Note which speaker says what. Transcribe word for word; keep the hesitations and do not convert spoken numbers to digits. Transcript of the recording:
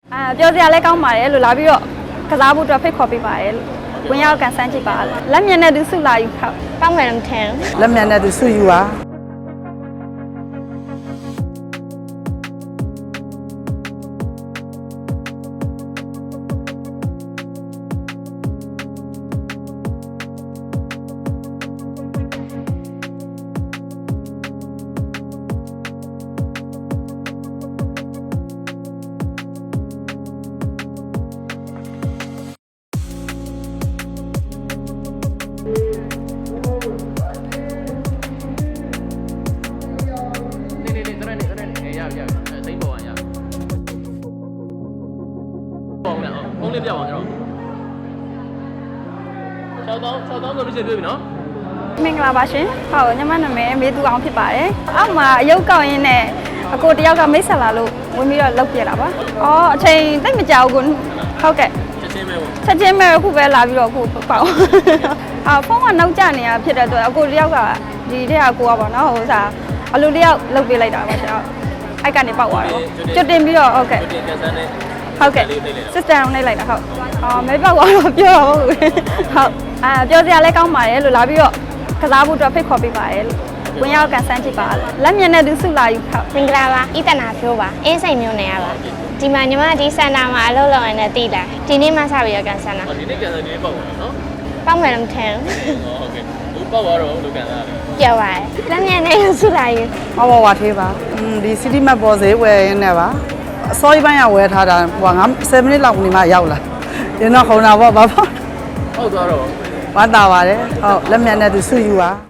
Speaker 1: အာပြောစရာလဲကောင်းပါတယ်လို့လာပြီးတော့ကစားဖို့အတွက်ဖိတ်ခေါ်ပေးပါတယ်လို့ဝင်ရောက်ကန်ဆန်းကြည့်ပါလက်မြင်တဲ့သူစုလာယူခောက်ပေါင်းမယ်မထင်
Speaker 2: လက်မြန်တဲ့သူစုယူပါ
Speaker 3: ဖုန်းလေးပြအောင်ကျွန်တော်၆တောင်း၆တောင်းဆိုလို့ရှိရင်တွေ့ပြီနော်
Speaker 1: မင်္ဂလာပါရှင်ဟုတ်ညီမနာမည်မေသူအောင်ဖြစ်ပါတယ်အောက်မှာအယုတ်ကောက်ရင်းနဲ့အကိုတယောက်ကမိတ်ဆက်လာလို့ဝင်ပြီးတော့လောက်ပြလာပါအော်အချိန်တိတ်မကြောက်ဘူးဟုတ်ကဲ့
Speaker 3: ချက်ချင်းပဲပေါ့
Speaker 1: ချက်ချင်းပဲအခုပဲလာပြီးတော့အခုပေါ့အာဖုန်းကနောက်ကျနေတာဖြစ်တဲ့အတွက်အကိုတယောက်ကဒီတယောက်ကိုကပေါ့နော်ဟိုစားအလိုတယောက်လောက်ပေးလိုက်တာပါရှင်အဲ့ကနေပေါက်သွားတော့ကျွတ်တင်ပြီးတော့ဟုတ်ကဲ့
Speaker 3: တင်ကန်ဆန်းနဲ့
Speaker 1: ဟုတ်ကဲ့ system နှိပ်လိုက်တာဟုတ်အော်မဲပေါက်သွားတော့ပြောတော့ဟုတ်ဟုတ်အာပြောစရာလဲကောင်းပါတယ်လို့လာပြီးတော့ကစားဖို့အတွက်ဖိတ်ခေါ်ပေးပါတယ်လို့ဝင်ရောက်ကန်ဆန်းကြည့်ပါလက်မြင်တဲ့သူစုလာယူခောက်
Speaker 4: မင်္ဂလာပါဤတနာဖြိုးပါအင်းစိန်မျိုးနေရပါဒီမှာညီမဒီစင်တာမှာအလုပ်လုပ်ရတဲ့တည်လာဒီနေ့မှစပြီးတော့ကန်ဆန်းတာ
Speaker 3: ဒီနေ့ကန်ဆန်းဒီနေ့ပေါက်ပါနော်
Speaker 4: ပေါက်မယ်မထင်
Speaker 3: ဟုတ်ကဲ့ဘူးပေါက်သွားတော့လူကန်ဆန်းရတယ်
Speaker 4: ပြောပါရဲ့လက်မြန်နဲ့စုလာယူ
Speaker 2: ဟောဝါသေးပါอืมဒီ city map ပေါ်ဈေးဝယ်ရင်းနဲ့ပါအစောကြီးပိုင်းကဝယ်ထားတာဟိုငါ7မိနစ်လောက်နေမှရောက်လာရင်တော့ခုံတာပေါ့ဘာပေါ့
Speaker 3: ပေါက်သွားတော့
Speaker 2: ဝမ်းသာပါတယ်ဟုတ်လက်မြန်တဲ့သူစုယူပါ